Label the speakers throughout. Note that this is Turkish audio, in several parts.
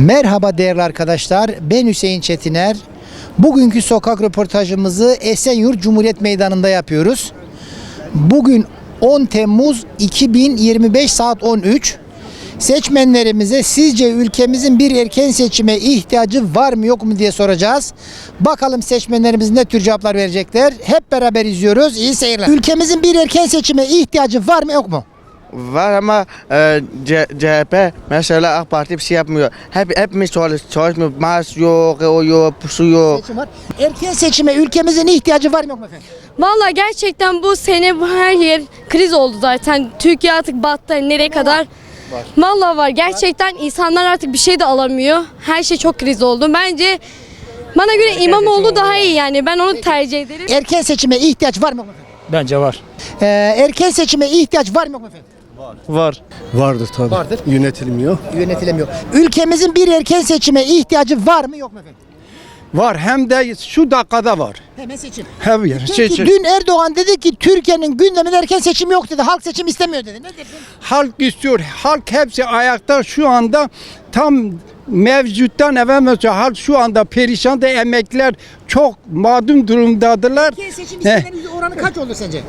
Speaker 1: Merhaba değerli arkadaşlar, ben Hüseyin Çetiner. Bugünkü sokak röportajımızı Esenyurt Cumhuriyet Meydanı'nda yapıyoruz. Bugün 10 Temmuz 2025 saat 13. Seçmenlerimize sizce ülkemizin bir erken seçime ihtiyacı var mı yok mu diye soracağız. Bakalım seçmenlerimiz ne tür cevaplar verecekler. Hep beraber izliyoruz. İyi seyirler. Ülkemizin bir erken seçime ihtiyacı var mı yok mu?
Speaker 2: Var ama CHP mesela AK Parti bir şey yapmıyor. Hepimiz çalışmıyor. Maaş yok, o yok, su yok.
Speaker 1: Seçim var. Erken seçime ülkemizin ihtiyacı var mı yok mu efendim?
Speaker 3: Vallahi gerçekten bu sene her yer kriz oldu zaten. Türkiye artık battı nereye kadar? Var. Vallahi var. Gerçekten insanlar artık bir şey de alamıyor. Her şey çok kriz oldu. Bence bana göre İmamoğlu daha iyi yani. Ben onu tercih ederim.
Speaker 1: Erken seçime ihtiyaç var mı yok mu efendim?
Speaker 4: Bence var.
Speaker 1: Erken seçime ihtiyaç var mı yok mu efendim?
Speaker 4: Var.
Speaker 5: Vardır tabii.
Speaker 1: Vardır.
Speaker 5: Yönetilmiyor.
Speaker 1: Yönetilemiyor. Ülkemizin bir erken seçime ihtiyacı var mı yok mu efendim?
Speaker 4: Var hem de şu dakikada var.
Speaker 1: Hemen seçim.
Speaker 4: Hem yer.
Speaker 1: Peki dün Erdoğan dedi ki Türkiye'nin gündeminde erken seçim yok dedi. Halk seçim istemiyor dedi. Ne dersin?
Speaker 4: Halk istiyor. Halk hepsi ayakta şu anda tam mevcuttan evvel halk şu anda perişan da emekliler çok mağdum durumdadırlar.
Speaker 1: Erken seçim istemenin oranı kaç olur sence?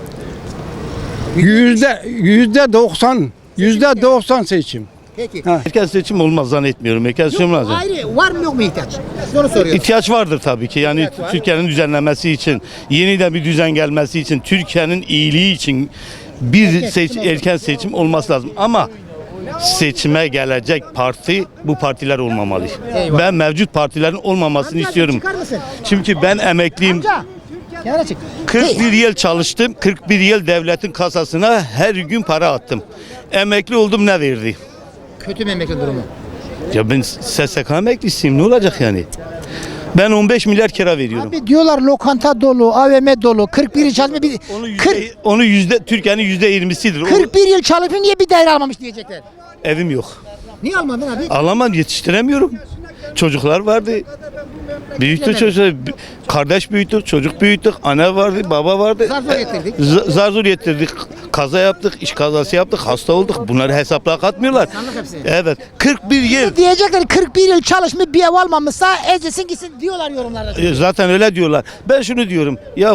Speaker 4: %90 seçim.
Speaker 1: Peki.
Speaker 6: Erken seçim olmaz zannetmiyorum. Erken seçim olmaz.
Speaker 1: Ayrı var mı yok mu ihtiyaç? Onu soruyorum.
Speaker 6: İhtiyaç vardır tabii ki. Yani Türkiye'nin düzenlenmesi için, yeniden bir düzen gelmesi için, Türkiye'nin iyiliği için erken seçim olması lazım. Ama seçime gelecek parti bu partiler olmamalı.
Speaker 1: Eyvallah.
Speaker 6: Ben mevcut partilerin olmamasını
Speaker 1: Amca,
Speaker 6: istiyorum.
Speaker 1: çıkar mısın?
Speaker 6: Çünkü ben emekliyim.
Speaker 1: Amca. Kenara çık.
Speaker 6: 41 yıl çalıştım. 41 yıl devletin kasasına her gün para attım. Emekli oldum, ne verdi?
Speaker 1: Kötü mü emekli durumu?
Speaker 6: Ya ben SSK emeklisiyim, ne olacak yani? Ben 15 milyar kira veriyorum.
Speaker 1: Abi diyorlar lokanta dolu, AVM dolu, 41 yıl çalışma bir
Speaker 6: Onu Türkiye'nin %20'sidir.
Speaker 1: 41 yıl çalışıp niye bir daire almamış diyecekler.
Speaker 6: Evim yok.
Speaker 1: Niye almadın abi?
Speaker 6: Alamam, yetiştiremiyorum. Çocuklar vardı. Büyüttük çocuklar. Kardeş büyüttük, çocuk büyüttük, anne vardı, baba vardı.
Speaker 1: Zar zor getirdik.
Speaker 6: Zar zor getirdik. Kaza yaptık, iş kazası yaptık, hasta olduk. Bunları hesapla katmıyorlar.
Speaker 1: İnsanlık hepsi.
Speaker 6: Evet. 41 yıl.
Speaker 1: Diyecekler 41 yıl çalışmış bir ev almamışsa ezilsin gitsin diyorlar yorumlarda.
Speaker 6: Zaten öyle diyorlar. Ben şunu diyorum. Ya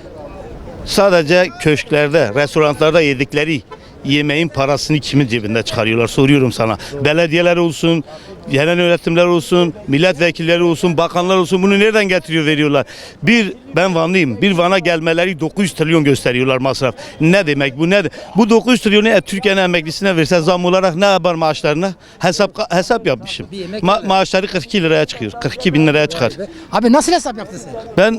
Speaker 6: sadece köşklerde, restoranlarda yedikleri yemeğin parasını kimin cebinde çıkarıyorlar, soruyorum sana. Belediyeler olsun, yerel yönetimler olsun, milletvekilleri olsun, bakanlar olsun, bunu nereden getiriyor veriyorlar? Ben Vanlıyım. Bir Van'a gelmeleri 900 trilyon gösteriyorlar masraf. Ne demek bu? Bu 900 trilyonu Türkiye'nin emeklisine verse zam olarak ne yapar maaşlarına? Hesap yapmışım. Maaşları 42 liraya çıkıyor. 42 bin liraya çıkar.
Speaker 1: Abi nasıl hesap yaptın sen?
Speaker 6: Ben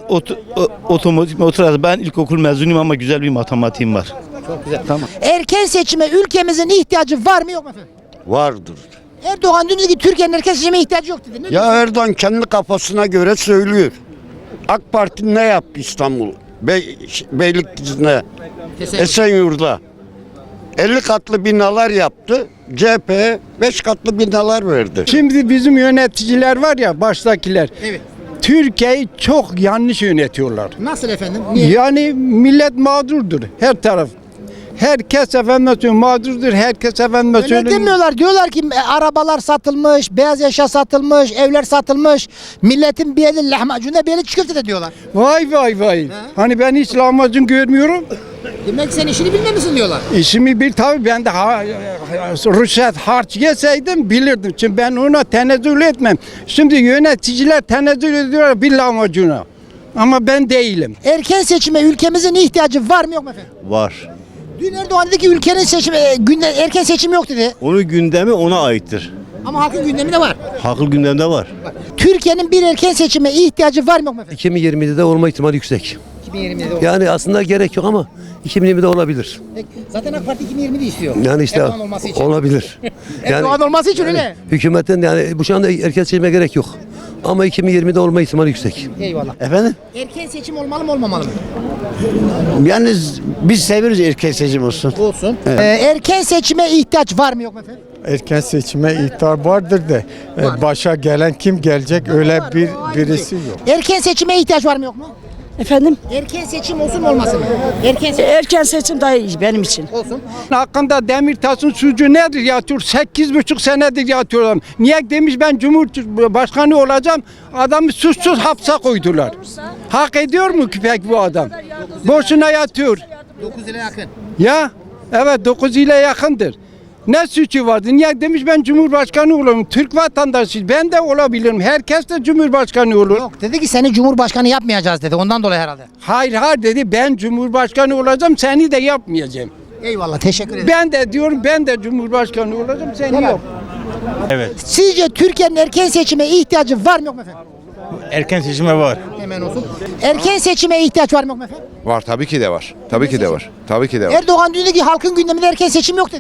Speaker 6: ben ilkokul mezunuyum ama güzel bir matematiğim var.
Speaker 1: Çok güzel. Tamam. Erken seçime ülkemizin ihtiyacı var mı yok mu efendim?
Speaker 5: Vardır.
Speaker 1: Erdoğan dün dedi ki Türkiye'nin erken seçime ihtiyacı yok dedi. Ne
Speaker 5: Ya Erdoğan kendi kafasına göre söylüyor. AK Parti ne yaptı İstanbul? Beylikdüzü'ne, Esenyurt'ta 50 katlı binalar yaptı. CHP 5 katlı binalar verdi.
Speaker 4: Şimdi bizim yöneticiler var ya, baştakiler.
Speaker 1: Evet.
Speaker 4: Türkiye'yi çok yanlış yönetiyorlar.
Speaker 1: Nasıl efendim? Niye?
Speaker 4: Yani millet mağdurdur her taraf. Herkes efendim mağdurdur. Herkes efendim
Speaker 1: Öyle demiyorlar. Diyorlar ki arabalar satılmış, beyaz eşya satılmış, evler satılmış. Milletin bir eli lahmacunla bir eli çiğ köfte de diyorlar.
Speaker 4: Vay vay vay. Hani ben hiç lahmacun görmüyorum.
Speaker 1: Demek sen işini bilmemişsin diyorlar.
Speaker 4: İşimi bil tabii, ben de rüşvet harç yeseydim bilirdim. Çünkü ben ona tenezzül etmem. Şimdi yöneticiler tenezzül ediyorlar bir lahmacuna. Ama ben değilim.
Speaker 1: Erken seçime ülkemizin ihtiyacı var mı yok mu efendim?
Speaker 7: Var.
Speaker 1: Dün Erdoğan dedi ki ülkenin seçimi, erken seçim yok dedi.
Speaker 7: Onun gündemi ona aittir.
Speaker 1: Ama halkın gündeminde var.
Speaker 7: Halkın gündemde var.
Speaker 1: Türkiye'nin bir erken seçime ihtiyacı var mı yok mu efendim?
Speaker 8: 2020'de olma ihtimali yüksek.
Speaker 1: 2020'de olur.
Speaker 8: Yani aslında gerek yok ama 2020'de olabilir.
Speaker 1: Zaten AK Parti 2020'de istiyor.
Speaker 8: Yani işte
Speaker 1: Erdoğan olması için.
Speaker 8: olabilir.
Speaker 1: Erdoğan olması için öyle.
Speaker 8: Hükümetten yani bu şu anda erken seçime gerek yok. Ama 2020'de olma ihtimali yüksek.
Speaker 1: Eyvallah.
Speaker 7: Efendim?
Speaker 1: Erken seçim olmalı mı olmamalı mı?
Speaker 7: Yani biz seviyoruz erken seçim olsun.
Speaker 1: Olsun. Erken seçime ihtiyaç var mı yok mu efendim?
Speaker 9: Erken seçime ihtar vardır da başa gelen kim gelecek öyle birisi yok.
Speaker 1: Erken seçime ihtiyaç var mı yok mu?
Speaker 10: Efendim?
Speaker 1: Erken seçim olsun mu olmasın mı? Erken seçim
Speaker 10: Erken seçim daha iyi benim için.
Speaker 1: olsun.
Speaker 4: Hakkında Demirtaş'ın suçu nedir yatıyor? 8,5 senedir yatıyorlar. Niye demiş ben Cumhurbaşkanı olacağım? Adamı suçsuz hapse koydular. Hak ediyor mu ki pek bu adam? Boşuna yatıyor.
Speaker 1: 9 ile yakın.
Speaker 4: Ya evet 9 ile yakındır. Ne suçu vardı? Niye demiş ben Cumhurbaşkanı olurum. Türk vatandaşı ben de olabilirim. Herkes de Cumhurbaşkanı olur.
Speaker 1: Yok dedi ki seni Cumhurbaşkanı yapmayacağız dedi. Ondan dolayı herhalde.
Speaker 4: Hayır hayır dedi ben Cumhurbaşkanı olacağım seni de yapmayacağım.
Speaker 1: Eyvallah teşekkür ederim.
Speaker 4: Ben de diyorum ben de Cumhurbaşkanı olacağım seni yok.
Speaker 1: Sizce Türkiye'nin erken seçime ihtiyacı var mı yok mu efendim?
Speaker 6: Erken seçime var.
Speaker 1: Hemen olsun. Erken seçime ihtiyaç var mı yok mu efendim?
Speaker 11: Var tabii ki de var. Tabii ki de var. Tabii ki de var.
Speaker 1: Erdoğan diyor ki halkın gündeminde erken seçim yok dedi.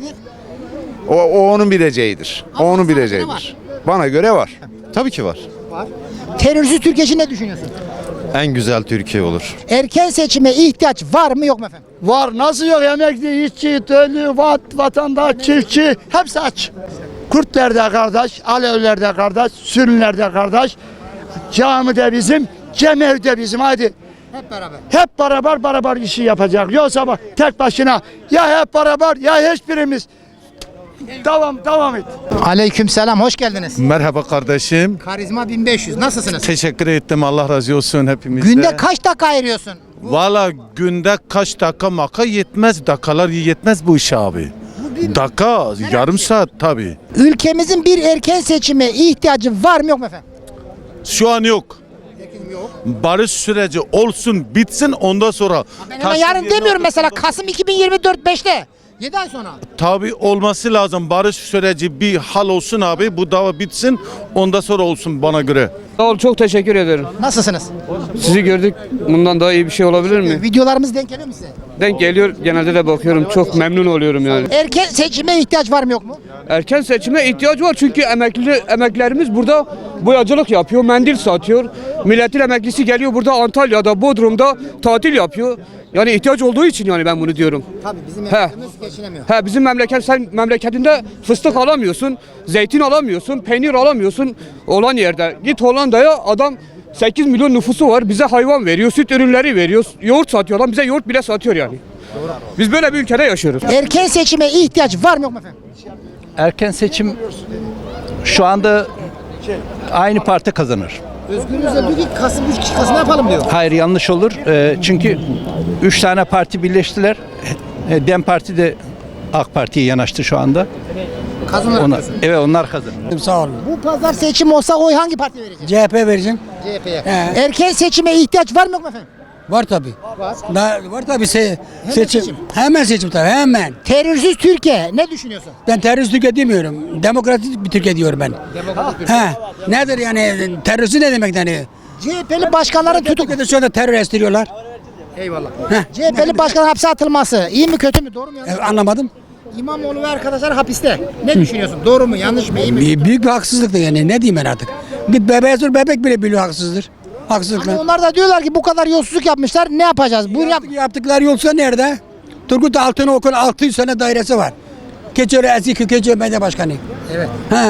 Speaker 11: O onun bileceğidir. O
Speaker 1: Ama
Speaker 11: onun
Speaker 1: sana göre
Speaker 11: bileceğidir.
Speaker 1: var.
Speaker 11: Bana göre var. Tabii ki var.
Speaker 1: Terörsüz Türkiye için ne düşünüyorsun?
Speaker 11: En güzel Türkiye olur.
Speaker 1: Erken seçime ihtiyaç var mı yok mu efendim?
Speaker 7: Var. Nasıl yok? Emekli, işçi, köylü, vatandaş, çiftçi hepsi aç. Kürtler de kardeş, Aleviler de kardeş, Sünniler de kardeş. Cami de bizim, cemevi de bizim. Hadi
Speaker 1: Hep beraber.
Speaker 7: hep beraber işi yapacak. Yoksa bak tek başına ya hep beraber ya hiçbirimiz. Devam et.
Speaker 1: Aleykümselam hoş geldiniz.
Speaker 11: Merhaba kardeşim.
Speaker 1: Karizma 1500 nasılsınız?
Speaker 11: Teşekkür ettim. Allah razı olsun hepimizde.
Speaker 1: Günde kaç dakika ayırıyorsun?
Speaker 11: Valla günde kaç dakika maka yetmez. Dakikalar yetmez bu işe abi. Dakika, yarım saat tabii.
Speaker 1: Ülkemizin bir erken seçime ihtiyacı var mı yok mu efendim?
Speaker 11: Şu an yok. Barış süreci olsun, bitsin ondan sonra.
Speaker 1: Ben hemen yarın demiyorum mesela Kasım 2024 5'te. 7 ay sonra.
Speaker 11: Tabii olması lazım. Barış süreci bir hal olsun abi. Bu dava bitsin. Ondan sonra olsun bana göre.
Speaker 12: Sağ ol, çok teşekkür ederim.
Speaker 1: Nasılsınız?
Speaker 12: Sizi gördük. Bundan daha iyi bir şey olabilir mi?
Speaker 1: Videolarımız denk geliyor mu size?
Speaker 12: Denk geliyor. Genelde de bakıyorum. Çok memnun oluyorum yani.
Speaker 1: Erken seçime ihtiyaç var mı yok mu?
Speaker 12: Erken seçime ihtiyaç var çünkü emeklilerimiz burada boyacılık yapıyor, mendil satıyor. Milletin emeklisi geliyor burada Antalya'da, Bodrum'da tatil yapıyor. Yani ihtiyaç olduğu için yani ben bunu diyorum.
Speaker 1: Tabii bizim
Speaker 12: He.
Speaker 1: memleketimiz geçinemiyor.
Speaker 12: Bizim sen memleketinde fıstık alamıyorsun, zeytin alamıyorsun, peynir alamıyorsun olan yerde. Git Hollanda'ya adam 8 milyon nüfusu var. Bize hayvan veriyor, süt ürünleri veriyor, yoğurt satıyor. Adam bize yoğurt bile satıyor yani. Biz böyle bir ülkede yaşıyoruz.
Speaker 1: Erken seçime ihtiyaç var mı yok mu efendim?
Speaker 13: Erken seçim şu anda aynı parti kazanır.
Speaker 1: Özgür Özel diyor ki Kasım 3 Kasım yapalım diyor.
Speaker 13: Hayır yanlış olur. Çünkü 3 tane parti birleştiler. DEM Parti de AK Parti'ye yanaştı şu anda.
Speaker 1: Kazanır diyorsun.
Speaker 13: Evet onlar kazanır.
Speaker 7: Sağ olun.
Speaker 1: Bu pazar seçim olsa oy hangi partiye vereceksin?
Speaker 7: CHP vereceğim.
Speaker 1: CHP'ye. Erken seçime ihtiyaç var mı yok mu efendim?
Speaker 7: Var tabi. Var tabi
Speaker 1: seçim.
Speaker 7: Hemen seçim tabi hemen.
Speaker 1: Terörsüz Türkiye ne düşünüyorsun?
Speaker 7: Ben terörist Türkiye demiyorum. Demokratik bir Türkiye diyorum ben.
Speaker 1: Demokratik
Speaker 7: He. Nedir yani terörist ne demek yani?
Speaker 1: CHP'li başkanların tutuk.
Speaker 7: Türkiye'de şu anda terör estiriyorlar.
Speaker 1: Eyvallah. CHP'li başkanın hapse atılması iyi mi kötü mü doğru mu yanlış mı?
Speaker 7: Anlamadım.
Speaker 1: İmamoğlu ve arkadaşlar hapiste. Ne düşünüyorsun? Doğru mu yanlış mı iyi mi?
Speaker 7: Büyük bir haksızlıktır yani ne diyeyim ben artık. Git bebeğe sor bebek bile biliyor haksızdır. Haksızlıklar.
Speaker 1: Ama onlar da diyorlar ki bu kadar yolsuzluk yapmışlar ne yapacağız? Buyur yap.
Speaker 7: Yaptıkları yolsa nerede? Turgut Altınok'un 600 sene dairesi var. Keçiören eski Keçiören Belediye Başkanı.
Speaker 1: Evet.
Speaker 7: Ha.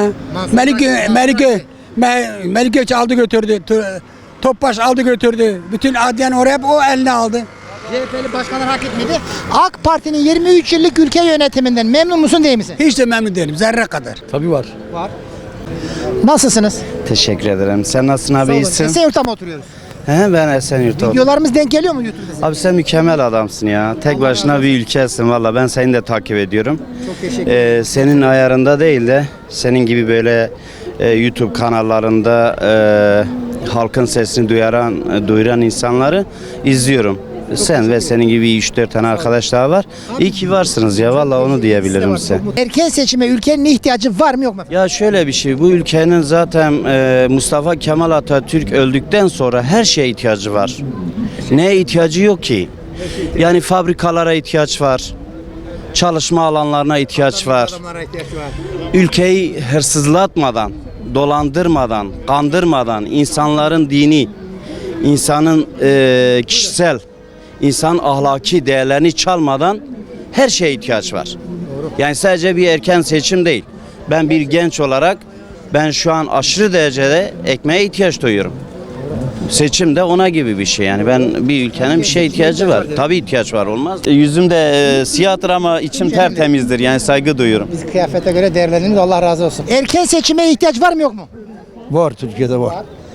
Speaker 7: Melike aldı götürdü. Topbaş aldı götürdü. Bütün adliyen oraya hep o eline aldı.
Speaker 1: CHP'li başkanlar hak etmedi. AK Parti'nin 23 yıllık ülke yönetiminden memnun musun değil misin?
Speaker 7: Hiç de memnun değilim zerre kadar.
Speaker 13: Tabii var.
Speaker 1: Nasılsınız?
Speaker 2: Teşekkür ederim. Sen nasılsın abi? İyisin?
Speaker 1: Esenyurt'ta mı oturuyoruz?
Speaker 2: He, ben Esenyurt'ta.
Speaker 1: Videolarımız denk geliyor mu YouTube'da?
Speaker 2: Abi sen mükemmel adamsın ya. Tek başına bir ülkesin valla. Ben seni de takip ediyorum.
Speaker 1: Çok teşekkür ederim.
Speaker 2: Senin ayarında değil de senin gibi böyle YouTube kanallarında halkın sesini duyuran insanları izliyorum. Sen ve senin gibi 3-4 tane arkadaş daha var. İyi ki varsınız ya valla onu diyebilirim size.
Speaker 1: Erken seçime ülkenin ihtiyacı var mı yok mu?
Speaker 2: Ya şöyle bir şey, bu ülkenin zaten Mustafa Kemal Atatürk öldükten sonra her şeye ihtiyacı var. Neye ihtiyacı yok ki? Yani fabrikalara ihtiyaç var, çalışma alanlarına ihtiyaç var. Ülkeyi hırsızlatmadan, dolandırmadan, kandırmadan, insanların dini, insanın kişisel, insan ahlaki değerlerini çalmadan her şeye ihtiyaç var. Yani sadece bir erken seçim değil. Ben bir genç olarak ben şu an aşırı derecede ekmeğe ihtiyaç duyuyorum. Seçim de ona gibi bir şey yani. Ben bir ülkenin bir şeye ihtiyacı var. Tabii ihtiyaç var, olmaz. Yüzüm de siyahtır ama içim tertemizdir. Yani saygı duyuyorum.
Speaker 1: Biz kıyafete göre değerlendiririz. Allah razı olsun. Erken seçime ihtiyaç var mı yok mu?
Speaker 7: Var, Türkiye'de var.